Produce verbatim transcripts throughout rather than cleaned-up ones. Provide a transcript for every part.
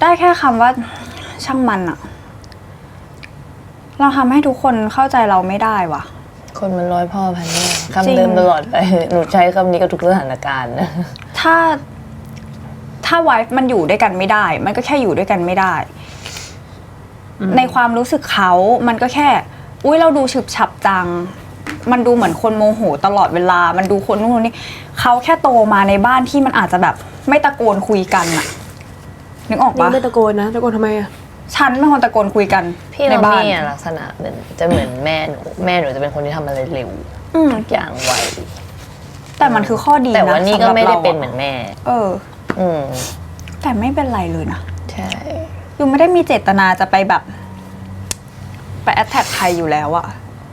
ได้แค่คำว่าช่างมันอะเราทำให้ทุกคนเข้าใจเราไม่ได้ว่ะคนมันร้อยพ่อพันแม่คำเดิมตลอดไปหนูใช้คำนี้กับทุกสถานการณ์นะถ้าถ้าไวฟ์มันอยู่ด้วยกันไม่ได้ มันก็แค่อยู่ด้วยกันไม่ได้ ในความรู้สึกเขามันก็แค่อุ้ยเราดูฉึบฉับจังมันดูเหมือนคนโมโหตลอดเวลามันดูคนนู้นคนนี้เขาแค่โตมาในบ้านที่มันอาจจะแบบไม่ตะโกนคุยกันอะนึกออกปะไม่ตะโกนนะตะโกนทำไมอะฉันเป็นคนตะโกนคุยกันพี่เราพี่อะลักษณะเหมือนจะเหมือนแม่หนูแม่หนูจะเป็นคนที่ทำอะไรเร็วทุกอย่างไวแต่มันคือข้อดีนะแต่ว่านี่ก็ไม่ได้เป็นเหมือนแม่เอออืมแต่ไม่เป็นไรเลยนะใช่ยูไม่ได้มีเจตนาจะไปแบบไปแอทแทกใครอยู่แล้วอะ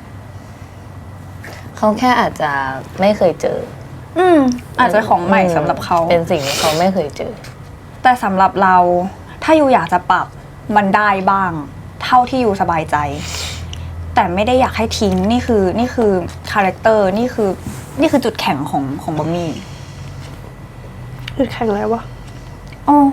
เขาแค่อาจจะไม่เคยเจออืมอาจจะของใหม่สำหรับเขาเป็นสิ่งที่เขาไม่เคยเจอแต่สำหรับเราถ้ายูอยากจะปรับมันได้บ้าง เท่าที่ยูสบายใจแต่ไม่ได้อยากให้ทิ้งนี่คือนี่คือคาแรคเตอร์นี่คือนี่คือจุดแข็งของของบอมมี่จุดแข็งอะไรวะโอ้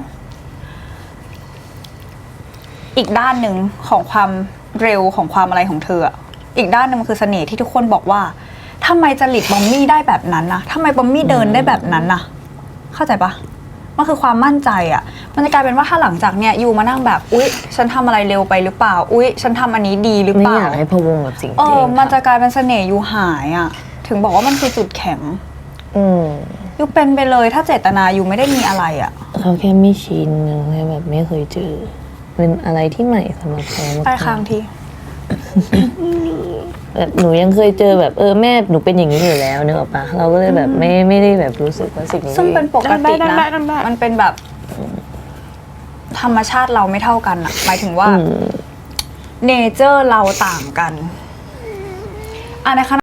อีกด้านหนึ่งของความเร็วของความอะไรของเธออีกด้านนึงมันคือเสน่ห์ที่ทุกคนบอกว่าทำไมจริตบอมมี่ได้แบบนั้นนะทำไมบอมมี่เดินได้แบบนั้นนะเข้าใจปะมันคือความมั่นใจอ่ะมันจะกลายเป็นว่าถ้าหลังจากเนี้ยยูมานั่งแบบอุ๊ยฉันทำอะไรเร็วไปหรือเปล่าอุ๊ยฉันทำอันนี้ดีหรือเปล่าไม่อยากให้พะวงกับสิ่งที่เออมันจะกลายเป็นเสน่ห์ยูหายอ่ะถึงบอกว่ามันคือจุดแข็งอืมยูเป็นไปเลยถ้าเจตนายูไม่ได้มีอะไรอ่ะเขาแค่ไม่ชินแค่แบบไม่เคยเจอเป็นอะไรที่ใหม่สำหรับเขาไปค้างทีแบบหนูยังเคยเจอแบบเออแม่หนูเป็นอย่างนี้อยู่แล้วเนอะปะเราก็เลยแบบไม่ไม่ได้แบบรู้สึกว่าสิ่งนี้ซึ่งเป็นปกตินะมันเป็นแบบธรรมชาติเราไม่เท่ากันอะหมายถึงว่าเนเจอร์เราต่างกันอ่ะในขณะ